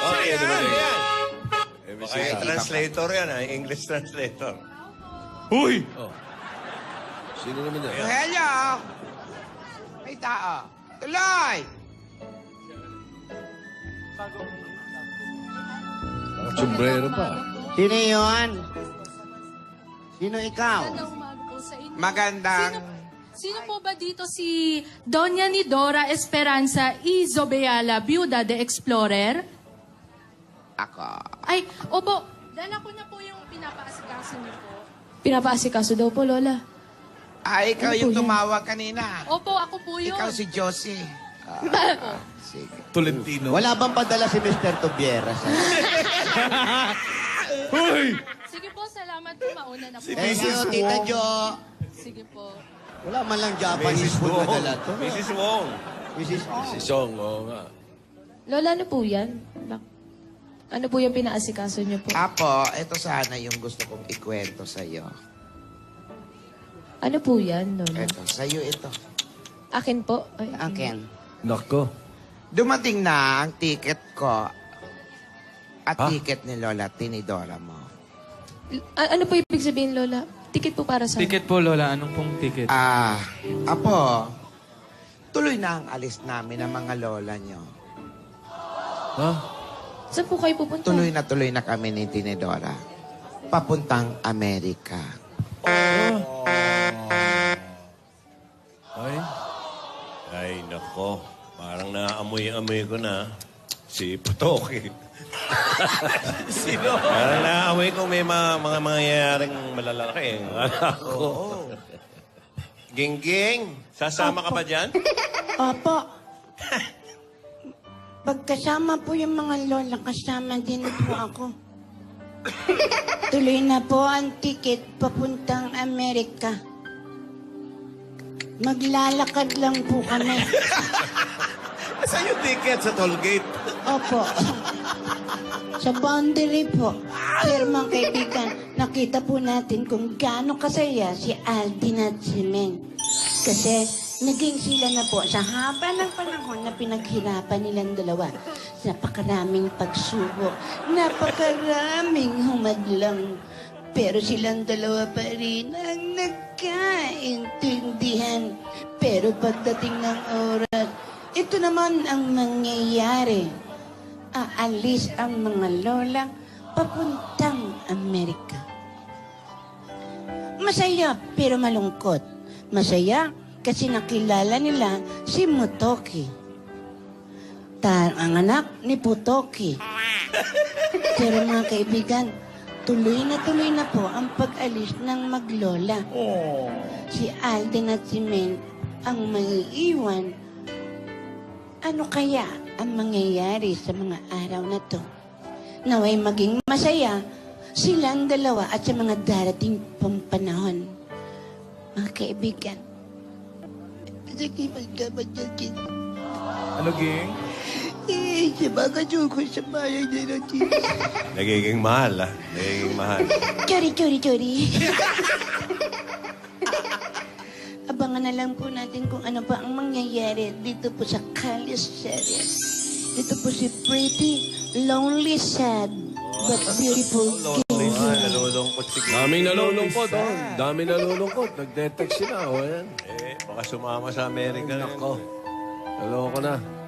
Okay, dumating. Baka yung translator yan, English translator. Huy! Oh. Sino naman yan? Hello! May tao. Tuloy! Sombrero pa. Sino yun? Sino ikaw? Magandang umaga po sa inyo. Magandang... Sino po ba dito si Doña Nidora Esperanza Izobeala, Biuda de Explorer? Ako. Ay, opo, dala ko na po yung pinapaasikaso niyo po. Pinapaasikaso daw po, Lola. Ikaw Ano yung po yan? tumawag kanina. Opo, ako po yun. Ikaw si Josie. Sige. Tolentino. Wala bang padala si Mr. Tobiera sa... Huy! Sige po, salamat po. Mauna na po. Thank you, Tita Jo. Sige po. Wala man lang Japanese food na dala to. Mrs. Wong. Mrs. Si Song, oo nga. Lola, ano po yan? Ano po yung pinaasikaso niyo po? Apo, ito sana yung gusto kong ikwento sa'yo. Ano po yan, Lola? Ito, sa'yo ito. Akin po? Ay, Akin. Nako. Dumating na ang ticket ko at Ha? ticket ni Lola Tinidora mo. Ano po ibig sabihin, Lola? Ticket po para sa... Ticket po, Lola. Anong pong ticket? Apo, tuloy na ang alis namin ng mga lola nyo. Ha? Saan po kayo pupunta? Tuloy na kami ni Tinidora. Papuntang Amerika. Ay? Ay, nako. Parang naamoy-amoy ko na si Putoki. Sino? Parang naamoy ko may mga mangyayaring malalaki. Oo. Gingging, sasama ka ba dyan? Opo. Pagkasama po yung mga lola, kasama din po ako. Tuloy na po ang ticket papuntang Amerika. Maglalakad lang po kami. Saan yung ticket? Sa tollgate? Opo. Sa boundary po. Pero mga kaibigan, nakita po natin kung gaano kasaya si Aldin at si Meng. Kasi naging sila na po sa haba ng panahon na pinaghirapan nilang dalawa. Napakaraming pagsubok, napakaraming humadlang. Pero silang dalawa pa rin ang nagkaintindihan. Pero pagdating ng oras, ito naman ang mangyayari. Aalis ang mga lola papuntang Amerika. Masaya pero malungkot. Masaya kasi nakilala nila si Motoki. Ang anak ni Putoki. Pero mga kaibigan, tuloy na po ang pag-alis ng maglola. Si Alden at si Men ang maiiwan. Ano kaya ang mangyayari sa mga araw na to? Naway maging masaya silang dalawa at sa mga darating pang panahon. Mga kaibigan, Ano, Ging? sa bayan nila, Nagiging mahal, Nagiging mahal. Chori. Abangan na lang po natin kung ano pa ang mangyayari dito po sa Kalis series. Dito po si Pretty, Lonely, Sad, but Beautiful King. Nalulungkot si King. Daming nalulungkot, oh. Daming nalulungkot. Nag-detect sila, oh. Ayan. Baka sumama sa Amerika. Nako. Naloko na.